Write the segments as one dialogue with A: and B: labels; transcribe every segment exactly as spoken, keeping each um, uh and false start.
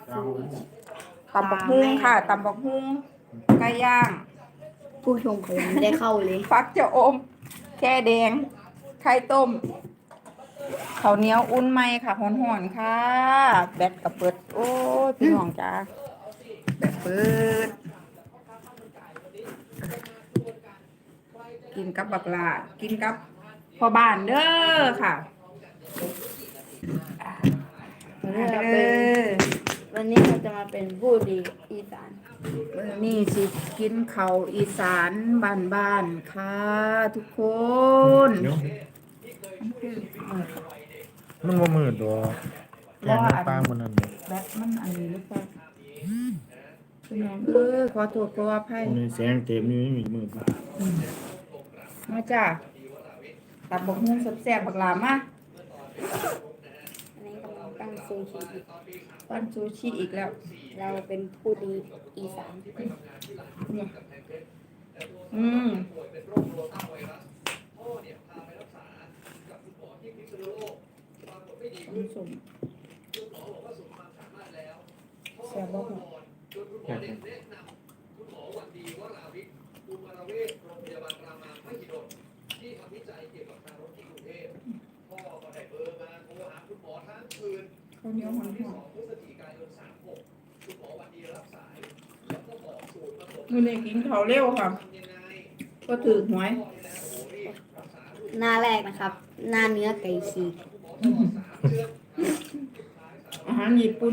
A: ตำบักฮุ้งค่ะตำบักฮุ้งไก่ย่าง
B: ผู้ชมเขายังไม่ได้เข้าเลย
A: ฟักจะอมแค่แดงไข่ต้มข้าวเหนียวอุ่นไหมค่ะหอนๆค่ะแบตกับเปิดโอ้ยพี่น้องจ้าแบตเปิดกินกับบักลากินกับพ่อบ้านเด้อค่ะ
B: วันนี้เรา
A: เด้
B: เป็น
A: อ
B: วันนี้เราจะมาเป็นผู้ดีอีสาน
A: มื้อนี่สิกินข้าวอีสานบ้านๆค่ะทุกคน
C: เดี๋ยว
A: มันคือเออ
C: มันบ่มืดดอกแกงในปลามันนั่นเนี่ย
A: แบตมันอันนี้หรือเปล่าพี่น้องเออขอโทษขออภัย
C: มันมีแสงเต็มอยู่ไม่มีมืด
A: มาจ้าตับบกฮุ้งแซ่บๆบักหลามา
B: อันนี้กำลังตั้งซูชิอยู่
A: ปั้นซูชิอีกแล้ว
B: เราเป็นผู้ดีอีสาน
A: เนี่ยอืมสมแซ่บบ่ฮู้
C: แค่นั้น
A: ข้าวเหนียวหอมๆมื้อนี้กินข้าวเร็วค่ะก็ถือหวย
B: หน้าแรกนะครับ หน้าเนื้อไก่ฉีก
A: อาหารญี่ปุ่น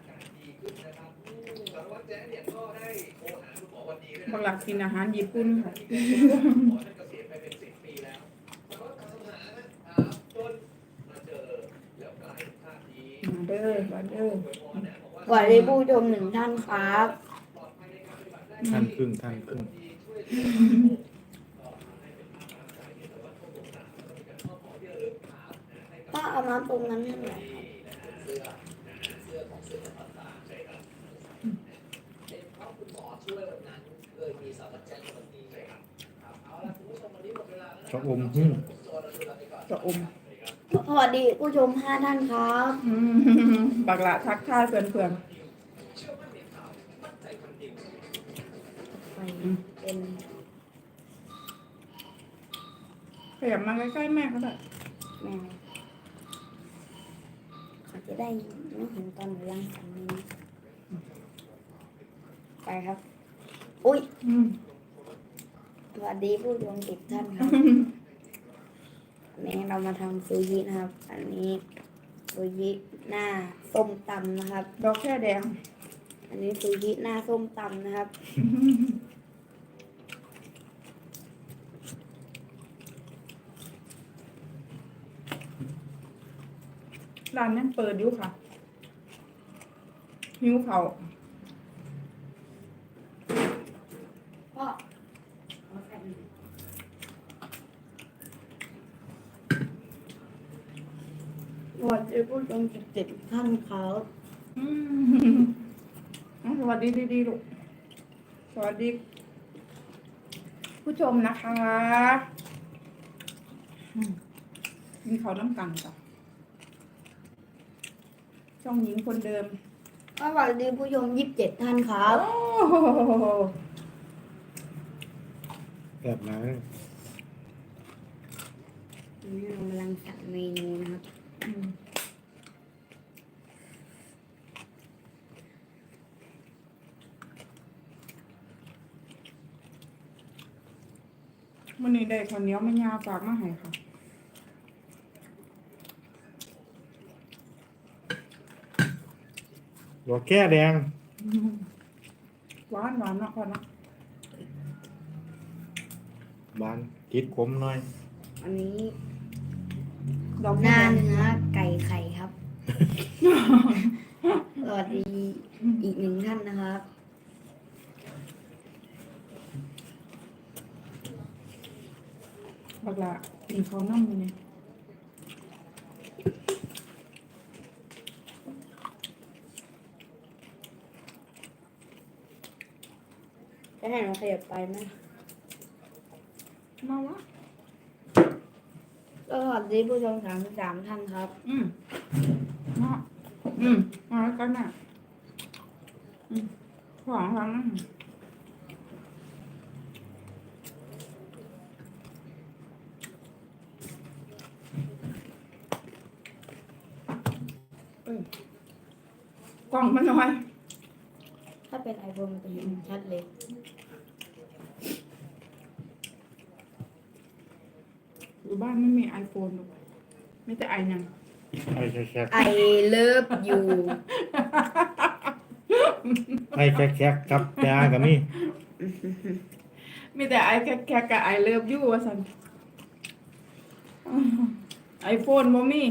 A: บักหลักกินอาหารญี่ปุ่นค่ะมาเด้อมาเด้อ
B: สวัสดีผู้ชมหนึ่งท่านครับ
C: ท่านครึ่งท่านครึ่ง
B: ป้าเอาน้ำตรงนั้นให้หน่อยครับ
C: ชอบอมหึ่ง
A: จะอม
B: สวัสดีผู้ชมห้าท่านครับ
A: อืมบักหละทักทายเพื่อน
B: ไปเป็น
A: ๆขยับมาใกล้ๆแม่ก็ได้
B: แมวเขาจะได้ไม่เห็นตอนหนูล้างสันนี้นะไปครับ อุ้ย
A: อืม
B: สวัสดีผู้ชมสิบท่านครับ อันนี้เรามาทำซูชินะครับ อันนี้ซูชิหน้าส้มตำนะครับ
A: ดอกแค่แดง
B: อันนี้ซูชิหน้าส้มตำนะครับ
A: ร้านยังเปิดอยู่ค่ะหิวเขาว
B: พ่อสวัสดีผู้ชมสิบเจ็ดท่านครับ
A: อืมอ่ะสวัสดีดีๆลูกสวัสดี ผู้ชมนะคะอืมกินเขาวน้ำกันจ้ะช่องหญิงคนเดิม
B: สวัสดีผู้ชมยี่สิบเจ็ดท่านครับ
A: โอ้โห
C: แบบนั้น
B: อันนี้เรากำลังสั่งเมนูนะครับ
A: อืมวันนี้ได้ข้าวเหนียวมะยาฝากมาให้ค่ะ
C: ดอกแก้แดง
A: หวานหวานเนาะพ่อเนาะ
C: บานกิดขมหน่อย
B: อันนี้
A: ดอก
B: ห
A: แค่
B: น้า
A: แดง
B: เนื้อไก่ไข่ครับ สวัสดีอีกหนึ่งท่านนะครับ
A: บักละกินเขาวน้ำอยู่เนี่ย
B: จะให้เราขยับไปไหม
A: มาวะ
B: สวัสดีผู้ชมสามสิบสามท่านครับ
A: อืมเนาะอืมมาแล้วกันน่ะอืมของทั้งนั้นเอ้ยกล่องมันน้อย
B: ถ้าเป็นไอโฟนมันจะเห็นชัดเลย
A: อยู่บ้านไม่มีไอโฟนหรอกไม่แต่ไอยัง
C: ไอ้แคก
B: ไอเลิฟยู
C: ๆไอ้แคกๆกับยากับมี่
A: มีแต่ไอแค่แค่กับไอเลิฟยูว่าสันไอโฟนบ่มี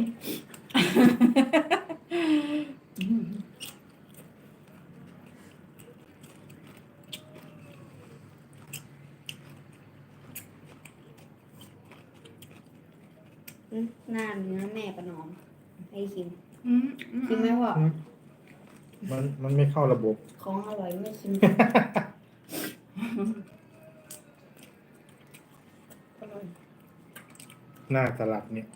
B: หน้าเนื้อแม่ประนอม ให้ชิม
A: อืม
B: ชิมไหมพ่อ
C: มันมันไม่เข้าระบบ
B: ของอร่อยไม่ชิม
A: อร่อย
C: หน้าสลัดเนี่ย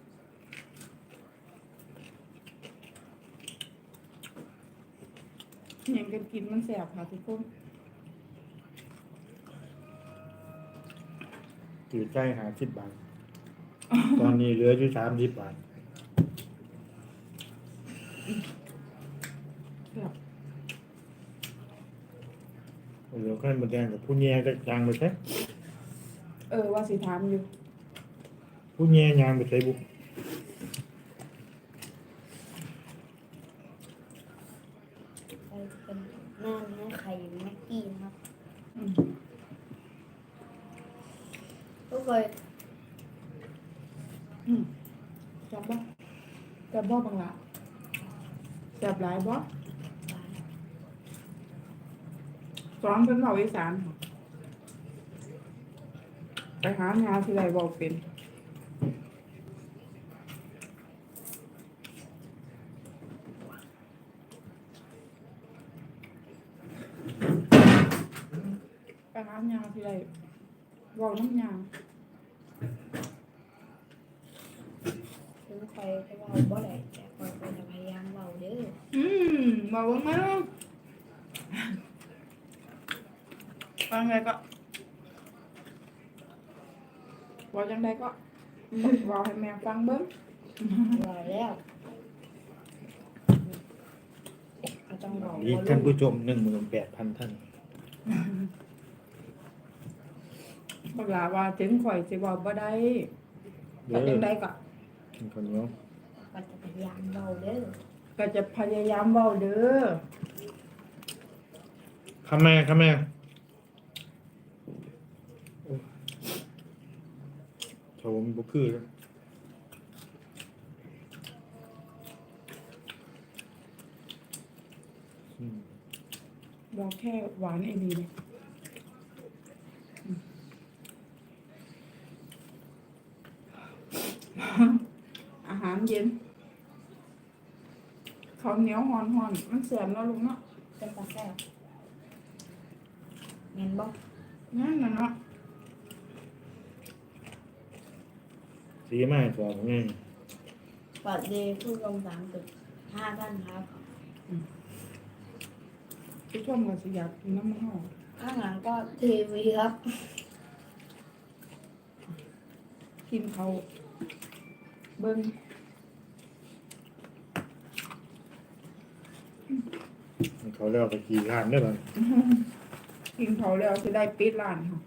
A: ยังกันกินมันแสบค่ะทุกคน
C: ถือใจหาสิบบาท ตอนนี้เหลืออยู่สามสิบบาท
A: แสบ
C: เหลือแค่หมดแดงกับผู้แย่ก็ยางไปใช่
A: เออว่าสิถามอยู่
C: ผู้แย่ยางไปใช้บุก
B: ไปเป็นหน้าเนื้อไข่แม็กกี้นะครับ
A: อืม
B: ก็เคย
A: อืมแสบบ่แสบบ่บังละแสบหลายบ่สอนเพิ่นเว้าอีสานค่ะไปหางานที่ไรบอกเป็นไปหางานที่ไรบอกน้ำยา
B: ถึงคอยจะเบาบ่ได้แต่คอยก็จะพยายามเบาเด้อ
A: อืมบอกว่าไงลูกฟังไงก็บอกยังไงก็บอกให้แม่ฟังเบิ้ง
B: เบาแล้วก็ต้องเบา
C: ดีท่านผู้ชมหนึ่งหมื่นแปดพันท่าน
A: บอกลาว่าถึงข่อยสิบอกบ่ได้
C: เด้
A: ก็
C: อ
A: จังไดก็
C: กินข้าวเหนียว
B: ก็จะพยายามเบาเด้อ
A: ก็จะพยายามเว้าเด้อ
C: ข้าแม่ข้าแม่โอ้โถมนบุคือแล้วอืม
A: บอกแค่หวานไอ้นี่เลยอืมอาหารเย็นข้าวเหนียวหอนๆมันแสบเนาะลูกเนาะ
B: เป็นตาแซ่บเงินบ่
A: นั่นน่ะเนาะ
C: สีไม้ตัวไง
B: สวัสดีผู้ชมสามจุดห้าท่านครับ
A: ผู้ชมก็สิอยากกินน้ำมันหอม
B: ข้างหลังก็ทีวีครับ
A: กินเขาวเบิ้ง
C: เขาเรียกว่าขี่ข้านได้บ้าง
A: กินเขาวแล้วจะได้ปิดร้านค่ะ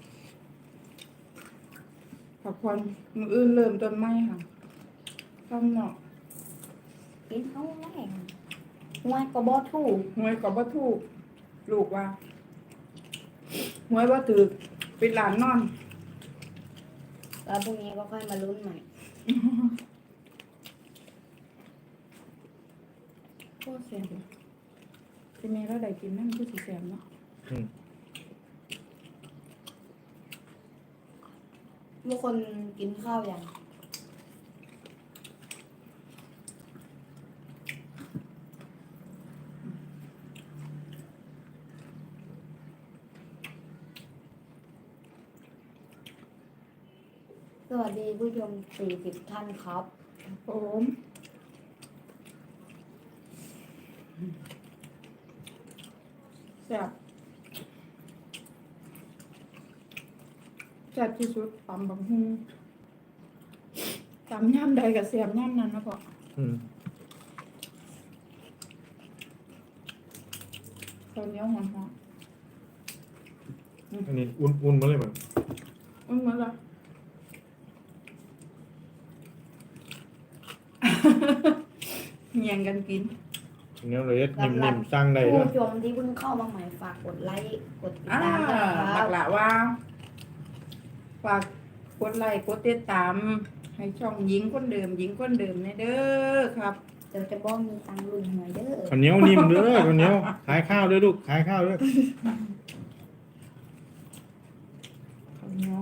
A: ผักพรมืออื่นเริ่มต้นไม้ค่ะข้างนอก
B: กินเอาแรงหัวก็บ่ถูก
A: หวยก็บ่ถูกลูกว่าหวยบ่ถูกปิดร้านนอน
B: แล้วพรุ่งนี้ก็ค่อยมาลุ้นใหม่
A: โคตรแซ่บเลยทีนี้เราได้กินนั่นคือสิแซ่บเนาะ
C: อืม
B: ทุกคนกินข้าวยังสวัสดีผู้ชมสี่สิบท่านครับ
A: โอ้มแซ่บแซ่บที่สุดตำบักหุ่งตำย่ำใดกับแซ่บย่ำนั้นนะพ่อ
C: อืม
A: ข้าวเหนียวหอม
C: อันนี้อุ่นอุ่นมาเลยมั้ง
A: ๆอุ้ยมาละ เงียงกันกิน
C: อันนี้เลยนิ่มๆสร้างได้ด้ว
B: ผู้
C: ย
B: ชมที่เพิ่งเข้ามาใหม่ฝากกดไลค์กดติด
A: อ่า
B: ตามด้วยนะค
A: บั
B: รับ
A: กละว่า ฝากกดไลค์กดติดตาม ให้ช่องหญิงคนเดิมหญิงคนเดิมในเด้อครับ
B: เดี๋ยวจะบอกมีตังค์ลุงหน่อยเด้อ
C: ข้าวเหนียวนิ่มเด้อข้าวเหนียวขายข้าวด้วยลูกขายข้าวด้วย
A: ข้าวเหนียว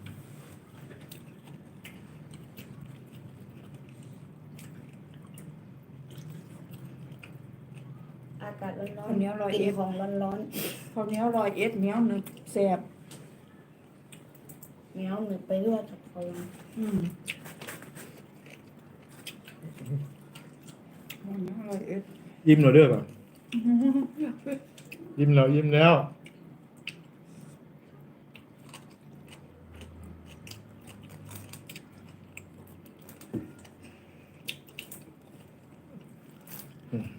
B: อากาศร้อน
A: ข้าวเหนียวลอย
B: ๆกิ
A: เอ็
B: น
A: ด
B: ของร้อน
A: ข้าวเหนียวลอยเอ็ดเหนียวหนึบแซ่บ
B: ๆเหนียวหนึบไปด้วยกับเขา
A: อืมข้าวเหนียวลอยเอ็ด
C: ยิ้มเราเด้อป่ะยิ้มแล้วยิ้มแล้วอืม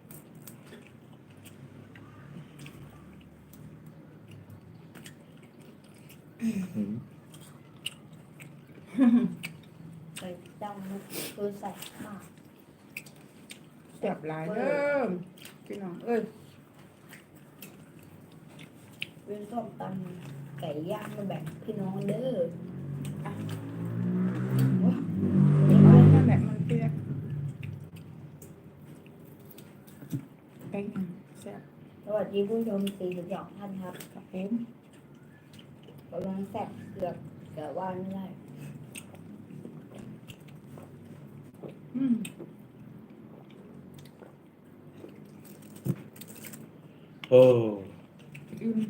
C: อืม
B: ใส่จังนะคือใส่มาก
A: แซ่บหลายเด้อพี่น้องเอ้ย
B: เป็นส้มตำไก่ย่างมาแบบพี่น้องเด้อ
A: เอาแม่แบบมันเปียกไก่ย่างแซ่บ
B: สวัสดีผู้ชมสี่สิบสองท่านครับ
A: ครับผม
B: กำลังแซ่บเกือบเกือบว่าไม่ได้
A: อืม
C: โอ้
A: อืม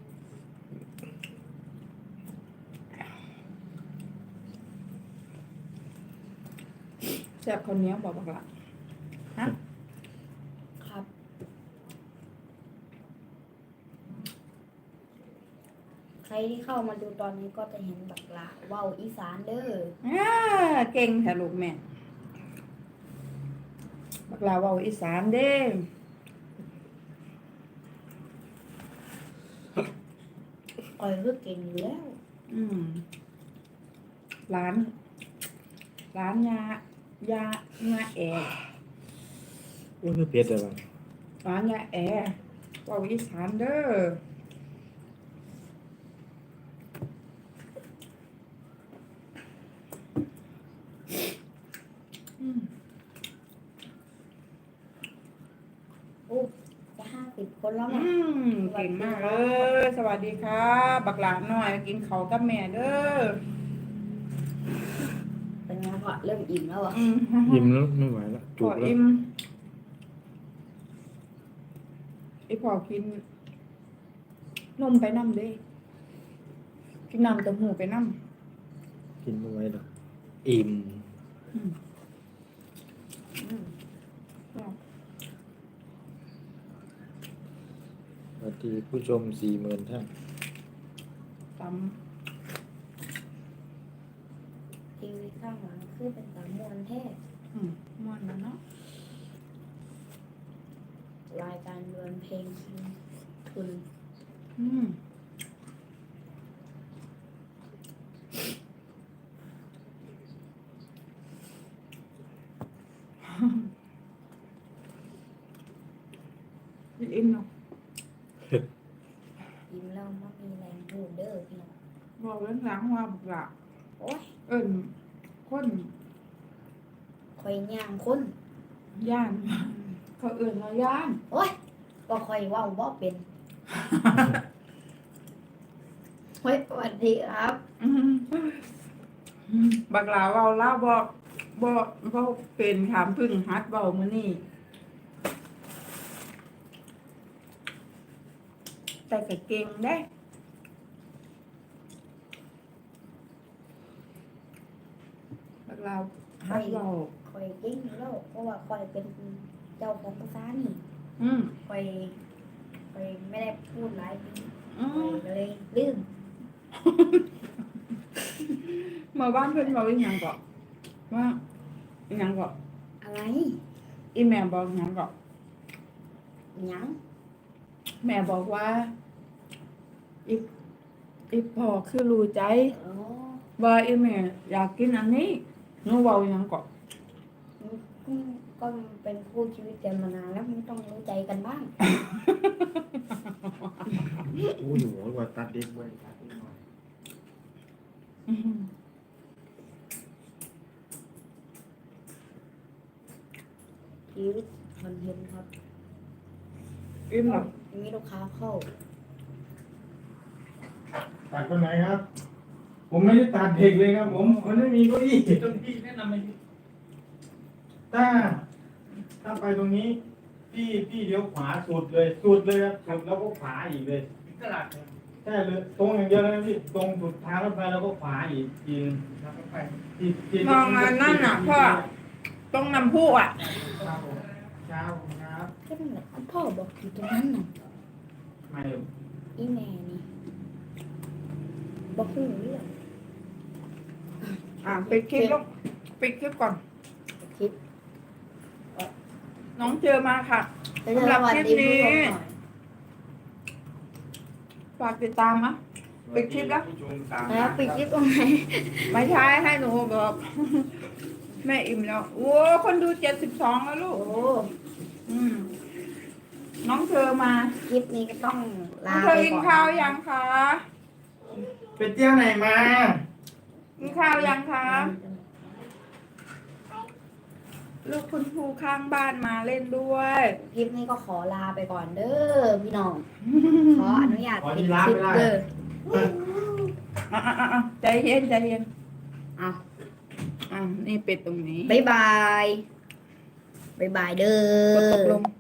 A: แซ่บข้าวเหนียวบอกบอกละฮะ
B: ครับ ใครที่เข้ามาดูตอนนี้ก็จะเห็นบักหลาว่าวอีสานเด้อ
A: อ่าเก่งแท้ลูกแม่บักลาเว้าอีสานเด้
B: คอยก็เก่งอยู่แล้ว
A: อืมร้าน ร้านยายายาแอ
C: ว่าคือเผ็ดอะไรบ้าง
A: ร้านยาแอเว้าอีสานเด้ออืม
B: โอ้จะห้าสิบคนแล้ว
A: อื
B: นะ
A: มเก่งมากเลยสวัสดีครับบักหลานหน่อยกินเขาวกับแม่เด้อ
B: เป็นไงพอเริ่มอิ่มแล้วอ่ะ
A: อืม
C: ยิ้มแล้วไม่ไหวแล้ว
A: พ
C: จุ
A: อก
C: แล้ว
A: อิ่มไอพอกิน นมไปน้ำเด้กินน้ำเต้าหู้ไปน้ำ
C: กินไม่ไหวแล้วอิ่ม
A: อืม
B: อืม
C: สวัสดีผู้ชมสี่หมื่นท่าน
A: ต
B: ทีวีข้างหลังคือเป็นสามมวนแท้
A: ำอืมม่วนแล้วเนาะ
B: รายการเรือนเพลงคืนทุน
A: อืม อิ่มเนาะ
B: ยิ้มแล้วมันมีแรงพูดเด้อพี่น้อง
A: บอกเรื่องล้างว่าบุกละ
B: โอ้ย
A: เอิญคน
B: คอยย่างคน
A: ย่าน เขาเอิญเราย่าน
B: โอ้ยก็คอยเว่าบ่เป็นเฮ้ยสวัสดีครับ
A: อืมบักหลาเว้าเล่าบอกบอกบอกเป็นถามพึ่งฮัดเบามื้อนี้แต่ก็เก่งได้บักหลาฮัดเบา
B: คอยเก่งอยู่แล้วเพราะว่าคอยเป็นเจ้าของภาษานี่
A: อืม
B: คอยคอยมไม่ได้พูดหลายปี
A: อืม
B: ก็เลยลืม
A: เมื่อบ้านเพื่อนบอกอีหยังก่อนว่าอีหยังก่อน
B: อะไร
A: อีแม่บอกอีหยังก่อน
B: หยัง
A: แม่บอกว่าอีอีพ่อคือรู้ใจ
B: อ๋อ
A: ว่าอีแม่อยากกินอันนี้หนูเว้าอีหยังก่อน
B: อืมก็เป็นคู่ชีวิตกันมานานแล้วมันต้องรู้ใจกันบ้าง
C: โอ้ยหัวกว่าตัดเด็กไว้ตัดเด็กหน่อย
A: อืม
B: ชีวิตคอนเทนต์ครับ
A: อิ่มหรอ
B: มีลูกค้าเข้า
C: ตัดคนไหนครับ ผมไม่ได้ตัดเด็กเลยครับ ผมมันไม่มีเก้าอี้ตรงที่แนะนำไปถ้าถ้าไปตรงนี้ พี่พี่เลี้ยวขวาสุดเลยสุดเลยครับสุดแล้วก็ขวาอีกเลยตลาดใช่เลยตรงอย่างเดียวเลยนะพี่ตรงสุดทางรถไฟแล้วก็ขวาอีกทีนึงทางรถไฟที่ที่
A: มองอันนั่นน่ะพ่อตรงน้ำพุอ่ะ
C: ครับผมเช้าครับ
B: แค่นั้นแหละพ่อบอกอยู่ตรงนั้นน่ะ
C: ไม่
B: อีแม่นี่บอกหูเรื่อง
A: อ่ะปิดคลิปลูกปิดคลิปก่อน
B: คลิป
A: น้องเจอมาค่ะ
B: แล้วจะสวัสดีผู้ชมหน่อย
A: ฝากติดตามนะ ปิดคลิปแล้ว
C: ผู้ชมตาม
B: แล้วปิดคลิปตรงไหน
A: ไม่ใช่ให้หนูบอก แม่อิ่มแล้วโอ้คนดูเจ็ดสิบสองแล้วลู
B: โอ้
A: กอืมน้องเธอมา
B: คลิปนี้ก็ต้อง
A: น้อ
B: ลาง
A: เธอ
B: ไป
A: กิน
B: ก่อน
A: ข้าวยังคะ
C: ไปเที่ยวไหนมา
A: กินข้าวยังคะลูกคุณครูข้างบ้านมาเล่นด้วย
B: คลิปนี้ก็ขอลาไปก่อนเด้อพี่น้อง ขออนุญาต
C: ขอ
B: ปิ
C: ที่
B: ด
C: ร้า
B: คน ลิป
C: ไม่ได้
B: เด้อ
A: อ่ะอ่ะอ่ะอ่ะใจเย็นใจเย็น
B: เอา
A: อ่ะนี่เป็ดตรงนี้
B: บ๊ายบาย บ๊ายบายเด้
A: กดตก
B: อ
A: ลง